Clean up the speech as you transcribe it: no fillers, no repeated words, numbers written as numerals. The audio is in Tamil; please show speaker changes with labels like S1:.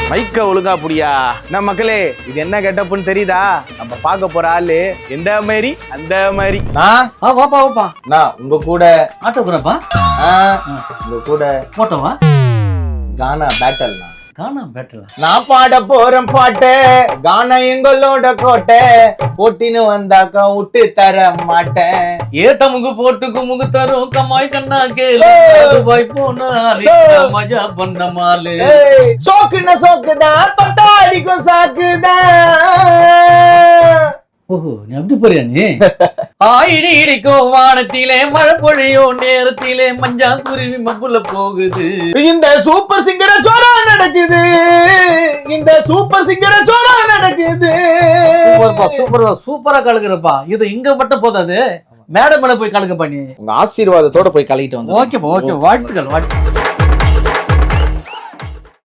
S1: மைக்க ஒழுங்கா புடியா. நம்ம மக்களே, இது என்ன கெட்டப்புன்னு தெரியுதா? நம்ம பார்க்க போற ஆளு எந்த மாதிரி அந்த மாதிரி.
S2: வாப்பா
S1: நான் உங்க கூட
S2: ஆட்டோகிராஃபா
S1: உங்க கூட
S2: போட்டோவா
S1: கானா பேட்டல்னா
S2: காணா பேட்டலா
S1: நான் பாட போறேன் பாட்டு கானா எங்களோட கோட்டை போட்டின்னு வந்தாக்கா விட்டு தர மாட்டேன்.
S2: ஏட்ட முகு போட்டுக்கு முகு தரும் கம்மாய் கண்ணா கேளு துபாய் போனா மஜா பண்ண மாலு
S1: சோக்குன்னா சோக்குதான் தொட்டா அடிக்கும் சாக்குதான்.
S2: ஓஹோ நீ அப்படி போறியா நீ ஆயிடி இடிக்கும் வானத்திலே மழை பொழியும் நேரத்திலே மஞ்சா குருவி மப்புல போகுது.
S1: இந்த சூப்பர் சிங்கர சோரா நடக்குது, இந்த சூப்பர் சிங்கர சோரா நடக்குது.
S2: சூப்பரா கலக்குறப்பா. இது இங்க மட்டும் போதாது, மேடம் மேல போய் கலக்கப்பா நீ.
S1: உங்க ஆசீர்வாதத்தோட போய் கலக்கிட்டு வந்து.
S2: ஓகேப்பா ஓகே, வாழ்த்துக்கள் வாழ்த்துக்கள்.